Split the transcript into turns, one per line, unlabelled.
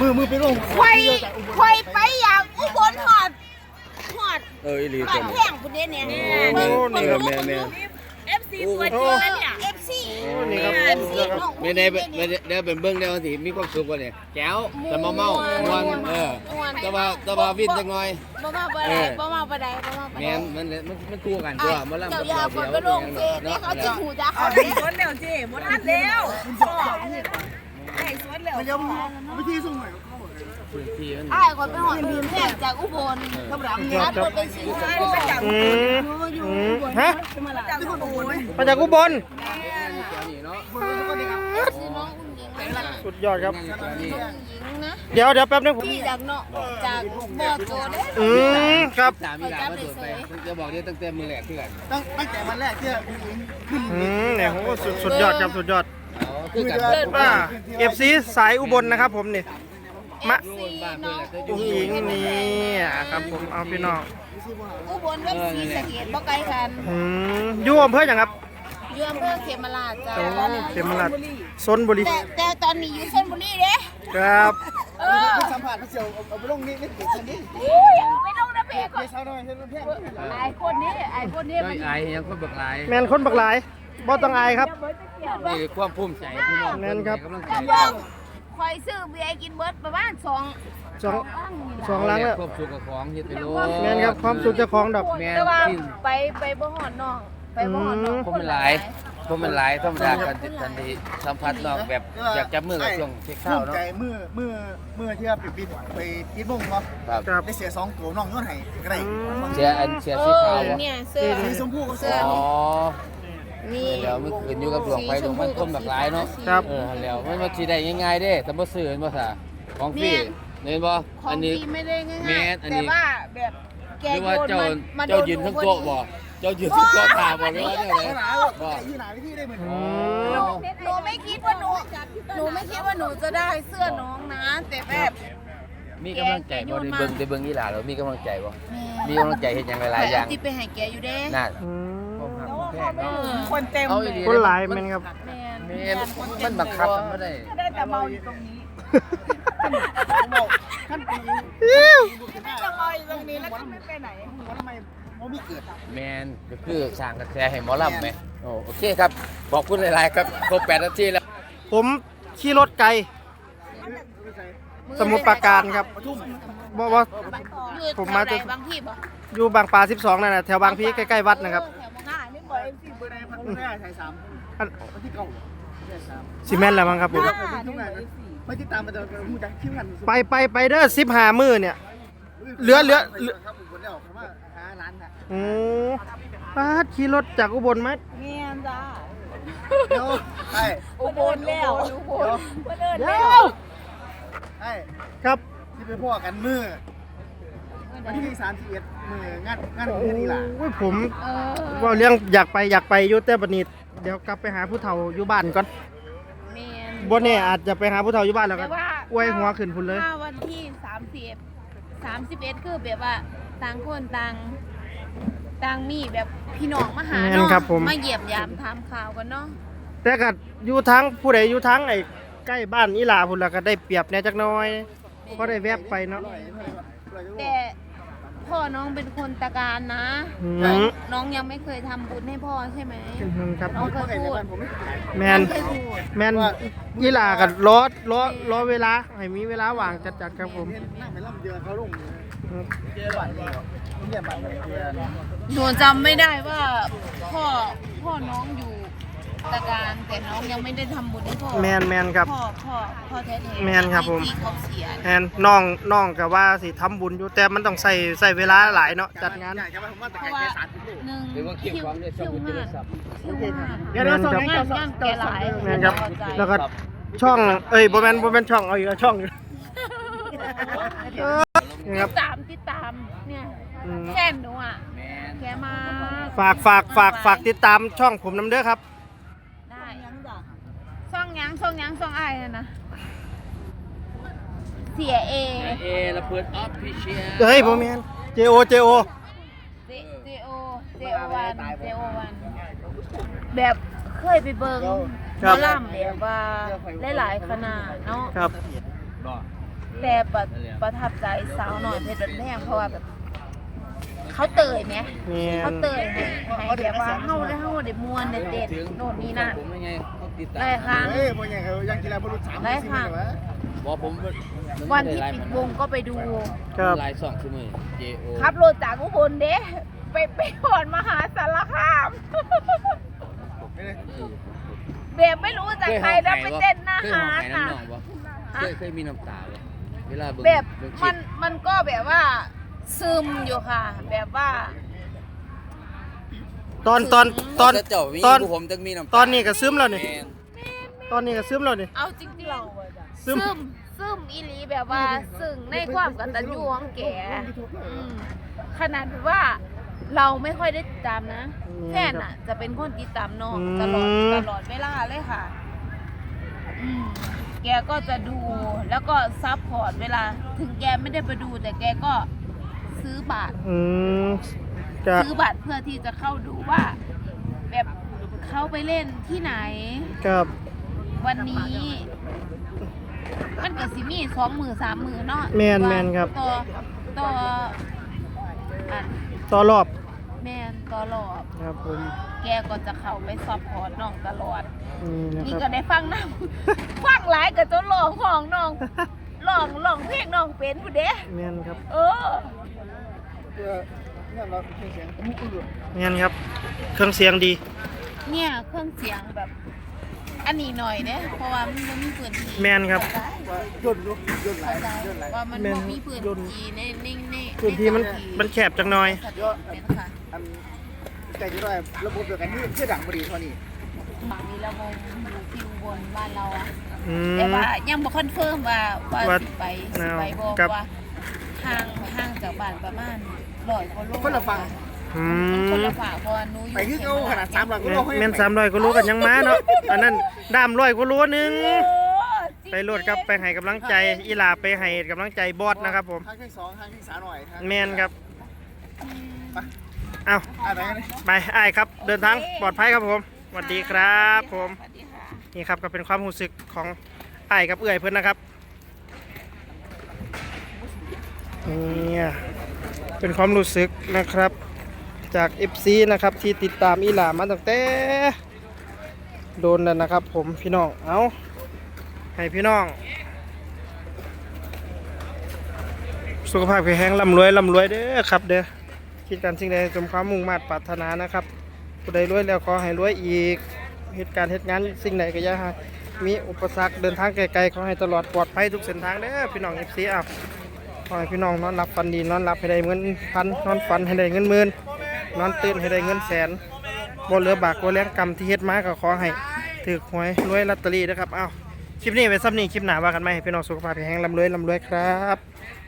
มือไปลง
คอยไปอย่างอุบลหอด
อีหลี
บ้านแพงคุณเนี่ย
แม่
FC ตัวจริงแล้วเนี่ย FC
นี่ครับ
ไม่ได้เป็นเบื้องได้สิมีความสุขกว่าเนี่ยแก้วแต่เมาแต่ว่าวิ่งจังหน่อย
บ่มาบ่ได้
แม่มันคู่กันตัวมาล่ำกับเรา
เดี๋ยวไปลงเจเนี่ยเขาจะหูจ้าเขา
สวนแล้วเจ๊หมดทันแล้วไอ้สวนแล้ว
มันจะวิธีส่งใหม่
ไอ้คนไปหอดพื้นแพงจากอุบลกำลังนัดคนไปซื้อ
ฮะมาจากอุบลสุดยอดครับเดี๋ยวแป๊บนึงผม
จากเนาะจากบ่อโจเด้
ครับ
สามีหลานมาตรวจไปจะบอกเนี่ยตั้งแต่มือแรกเพื่อน
ตั้งแต่วันแรกที่ขึ้นเนี่ยโหสุดยอดครับสุดยอดFC สายอุบลนะครับผมนี่มะอุ้งอิงนี่ครับผมเอาพี่น้อง
อุบลกับศรีสะเกษบ่ไกลกัน
อยู่อำเภออย่างครับ
อยู่อำเภอเขมราชจ้า
เขมราชชลบุรี
แต่ตอนนี้อยู่ชลบุรีเด้
ครับสัมผัสเสียวเอาไปลงนี่ไม่ติดคนนี้
ไม่ลงนะเพ่
เช้าหน่อยเช้าเพ่
ไอ้คนนี้
ไม่อายยังคนบักลาย
แมนคนบักลายบ่ต้องอายครับ
นี่ความภูมิใจพี่น้อง
แมนครับ
คอยซื้อเบียร์กินเบิร์ดประมาณสอง
ล้านแล้ว
ความสุขกับของเฮ็ดไปโล
แมนครับความสุขเจ้าของดอก
แมน
ไปบ่หอดน้องไปบ่หอดน้อง
ผมมันหลายธรรมดากันทันทีสัมผัสน้องแบบอยากจับมือกับช่วงเช็คข้าวเนาะ
ใจมือที่ว่าบินไปกินบุ้งเนาะได้เสีย2ตัวน้องย้อนให้ก็ได้
เสียสีขาว
เนี่ยเสื้อ
สีชมพูกับเสื้อ
นี่
แล้วมันขึ้นอยู่กับดวงไฟดวงมันคนแบบหลายเนาะแล้วมันมาสิได้ง่ายๆเด้แต่บ่ซื้อเห็นบ่ซะของฟรีเห็นบ่
อันนี้ไม่ได้ง่ายๆแต่ว่าแบบแกโยน
มาเจ้ายืนทั้งโต๊ะบ่เจ้ายืนทั้งโต๊ะตาบ่เลยว่าเนี่ยเลย
บ่ที่ไหนที่ได้เหมือน
หนูไม่คิดว่าหนูจะได้เสื้อน้องนะแต่แบบ
มีกำลังใจบ่ได้เบิ่งอีหล่าแล้วมีกำลังใจบ่มีกำลังใจเฮ็ดหยังหลายๆอย่าง
ที่ไปให้แกอยู่เด้
น่ะ
คนเต็ม
คนหลายแม่นครับ
มันบังคับไม่ได้
ได้แต่เมาอยู่ตรงนี้
ขั้นปี
จะเมาอยู่ตรงนี้แล้วก็ไม่ไปไหน
ทำไมไม่เกิด
แมนก็คือสร้างกระแสให้หมอลำไหมโอเคครับขอบคุณหลายๆครับครบ8 นาทีแล้ว
ผมขี่รถไกลสมุทรปราการครับว่าผมมาจาก
บางพี่บ่
อยู่บางปลา12นั่นน่ะแถวบางพีใกล้ๆวัดนะครับซีเมนต์อะไรบ้างครับผมไปเด้อ15 มื้อเนี่ยเหลือโอ้ป้าขี่รถจากอุบลมั้ย
เมียนจ้า
อุ
บลแล้ว
เดี๋ยวครับที่ไปพ่อกันมื้อวันที่31มื้องานของนี่ล่ะผมว่าเรื่องอยากไปอยู่แต่บัดนี้เดี๋ยวกลับไปหาผู้เฒ่าอยู่บ้านก่อนบ่แน่อาจจะไปหาผู้เฒ่าอยู่บ้านแล้วก็อวยหัวขึ้นพุ่นเลย
ถ้าวันที่31คือแบบว่าต่างคนต่างมีแบบพี่น้องมาหาเนาะมาเยี่ยมยามถามข่าวกันเนาะ
แต่ก็อยู่ทั้งผู้ใดอยู่ทั้งไอ้ใกล้บ้านอีหลาพุ่นแล้วก็ได้เปรียบแน่จักหน่อยพอได้แวบไปเนาะ
แต่พ่อน้องเป็นคนตะการนะน้องยังไม่เคยทำบุญให้พ่อใช่ไหมน้องเคยพูด
แมนอีหลากับล้อเวลาให้มีเวลาว่างจัดครับผม
หนูจำไม่ได้ว่าพ่อน้องอยู่ตะการแต่น้องยังไม่ได้ทำบุญให้พ่อ
แมนครับ
พ่อแท้
ๆแมนครับผมแมนน้องกับว่าสิทำบุญอยู่แต่มันต้องใส่เวลาหลายเนาะจัดงาน
เพราะว่า1คิวงาน
เดี๋ยวส่งให้
แกหลาย
แมนครับแล้วก็ช่องบ่แม่นช่องเอาอีกช่อง
ติดตามเนี่ยแค่หนูอ่ะแกมา
ฝากติดตามช่องผมนำเด้อครับ
ได้ช่องอ้ายนะเสียเอ
ระเบิดออฟฟิเชียล
เฮ้ยบ่แม่น JO
วันแบบเคยไปเบิ่งหมอลำแบบว่าหลายๆคณะเนาะ
ครับ
แต่ประทับใจสาวหน่อยเพชรบันแพงเพราะว่าแบบเขาเตยไหม
เนี่ย
เขาเตยให้แบบว่าเฮาได้มวนเด็ดๆโน่นนี่นั่น
ผมยังไงเขาติดตาม
หลายครั้ง
เฮ้ยพวกยังเขายังกีฬาบอลลูน3
ได้ค่ะ
วะ
บอกผม
วันที่ปิดวงก็ไปดู
ครับ
ลาย2ชั่วโมง JO
ขับรถจากอุบลเด้ไปหอนมหาสารคาม แบบไม่รู้จากใครแล้วไปเต้นหน้าหาด
น้ำ
น่ะ
หนองปะเคยมีน้ำตาปะเวลาเบิ่ง
แบบ
เบิ่งคลิป
มันก็แบบว่าซึมอยู่ค่ะ แบบว่า
ตอน
เจ้ามี
ตอน
ผู้ผมจะมีน้ำตา
ตอนนี้ก็ซึมแล้วนี่
ม่น
ตอนนี้ก็ซึมแล้วนี่
เอาจริงๆ
ซึ
ซึ
ม
มอีหลีแบบว่าซึ่งในความกตัญญูของแกขนาดว่าเราไม่ค่อยได้ติดตามนะแฟนอ่ะ จะเป็นคนติดตามน้องตลอดเวลาเลยค่ะแกก็จะดูแล้วก็ซัพพอร์ตเวลา ถึงแกไม่ได้ไปดูแต่แกก็ซื้อบัตร
จะ
ซื้อบัตรเพื่อที่จะเข้าดูว่า แบบเขาไปเล่นที่ไหน
กับ
วันนี้ มันก็สิมี2 3 มื้อเนาะ
แมนครับ
ต่ออัน
ต่อรอบ
แม่นต่อรอบ
ครับผม
แกก็จะเข้าไปซัพพอร์ตน้องตลอด
นี่นะ
นี่
ค
ก็
รับ
ได้ฟังน้ำ ฟังหลายก็จนร้องของน้องร้องเพลงน้องเป็นผู้เด้
แมนครับ
เออ
แมนครับ เครื่องเสียงดี
เนี่ยเครื่องเสียงแบบ อันนี้หน่อยเด้เพราะว่ามันบ่มีพื้นที่
แม่นครับ
เข้าใจว่ามันบ่มีพื้นที่ใน
พื้นที่มันแคบจังหน่อย
เป็นค่ะ
อันใจที่ว่าระบบเดียวกันนี่เชื่อดังพอดีเท่านี้
มีระวงอยู่ที่อุบลบ้านเราอะ
อื
แต่
ม
ว่ายังบ่คอนเฟิร์มว่า
ว่า
สิไปบ่
ครับ
ว่าห่างจากบ้านประมาณ100กว่าโล
คนละฝั่ง
มัน
อื
คน
ม
ละฝั่งเพราะว่าหนูอยู่
ไปคือเขาขนาด300
เข
กิโล
ต
แม่น300ก็รู้กันยังมาเนาะอันนั้นดาม100ก็รู้นึง
โอ้จริง
ไปโหลดครับไปให้กำลังใจอีหลาไปให้กำลังใจบอสนะครับผม
ทางที่2ทางที่3หน่อยทาง
แมนครับเอา
ไปกันเลย
ไปอ้ายครับ เดินทางปลอดภัยครับผมสวัสดีครับผม
สวัสดีค่ะ
นี่ครับก็เป็นความรู้สึกของอ้ายกับเอื้อยเพื่อนนะครับนี่เป็นความรู้สึกนะครับจาก FC นะครับที่ติดตามอีหลามาตั้งแต่โดนแล้วนะครับผมพี่น้องเอาให้พี่น้องสุขภาพแข็งแรงร่ำรวยเด้อครับเด้อคิดการสิ่งใดสมความมุ่งมั่นปรารถนานะครับผู้ใดรวยแล้วขอให้รวยอีกเหตุการณ์เหตุงานสิ่งใดก็อย่าให้มีอุปสรรคเดินทางไกลๆขอให้ตลอดปลอดภัยทุกเส้นทางเด้อพี่น้อง FC อ่ะขอให้พี่น้องนอนหลับฝันดีนอนหลับให้ได้เงินพันนอนฝันให้ได้เงินหมื่นนอนตื่นให้ได้เงินแสนบ่เหลือบากบ่แรงกรรมที่เฮ็ดมาก็ขอให้ถูกหวยรวยลอตเตอรี่นะครับเอ้าคลิปนี้ไว้ซ้ำนี้คลิปหน้าว่ากันใหม่ให้พี่น้องสุขภาพแข็งแรงร่ำรวยครับ